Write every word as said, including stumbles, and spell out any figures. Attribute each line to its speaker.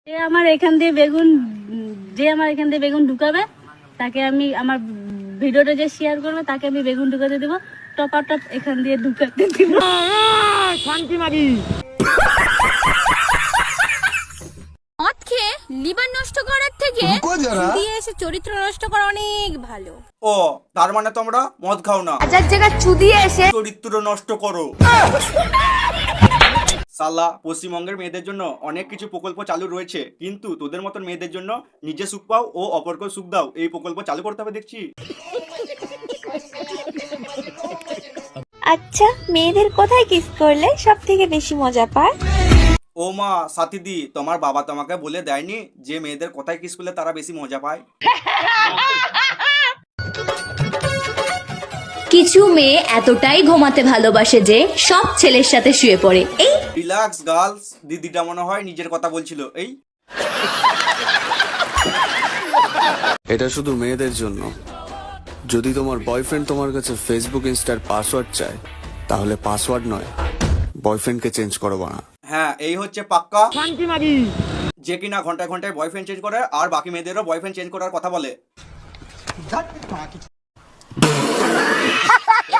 Speaker 1: এ আমার এখান দিয়ে বেগুন যে আমার এখান দিয়ে বেগুন ঢুকাবে তাকে আমি আমার ভিডিওটা যে শেয়ার করবে তাকে আমি বেগুন ঢুকাতে দেবো, টপা টপ এখান দিয়ে ঢুকাতে দিব।
Speaker 2: শান্তি মাগি
Speaker 3: মদ খেয়ে লিভার নষ্ট করার থেকে দিয়ে এসে চরিত্র নষ্ট করা অনেক ভালো।
Speaker 4: ও তার মানে তোমরা মদ খাও না,
Speaker 3: হাজার জায়গা চুদিয়ে এসে
Speaker 4: চরিত্র নষ্ট করো। সালা পশ্চিমবঙ্গের মেয়েদের জন্য অনেক কিছু প্রকল্প চালু রয়েছে, কিন্তু তোদের মতন মেয়েদের জন্য নিজে সুখ পাও ও অপরকে সুখ দাও এই প্রকল্প চালু করতে হবে দেখছি।
Speaker 5: আচ্ছা, মেয়েদের কোথায় কিস করলে সব থেকে বেশি মজা পায়?
Speaker 4: ও মা সাথীদি, তোমার বাবা তোমাকে বলে দেয়নি যে মেয়েদের কোথায় কিস করলে তারা বেশি মজা পায়?
Speaker 6: কিছু মেয়ে এতটাই ঘুমাতে ভালোবাসে যে সব ছেলের সাথে শুয়ে পড়ে। এই
Speaker 4: রিল্যাক্স গার্লস, দিদিটা মনে হয় নিজের কথা বলছিল। এই
Speaker 7: এটা শুধু মেয়েদের জন্য। যদি তোমার বয়ফ্রেন্ড তোমার কাছে ফেসবুক ইনস্টার পাসওয়ার্ড চায়, তাহলে পাসওয়ার্ড নয়, বয়ফ্রেন্ডকে চেঞ্জ করো বানা।
Speaker 4: হ্যাঁ, এই হচ্ছে পাক্কা
Speaker 2: শান্তি মাগি
Speaker 4: যে কিনা ঘন্টায় ঘন্টায় বয়ফ্রেন্ড চেঞ্জ করে আর বাকি মেয়েদেরও বয়ফ্রেন্ড চেঞ্জ করার কথা বলে।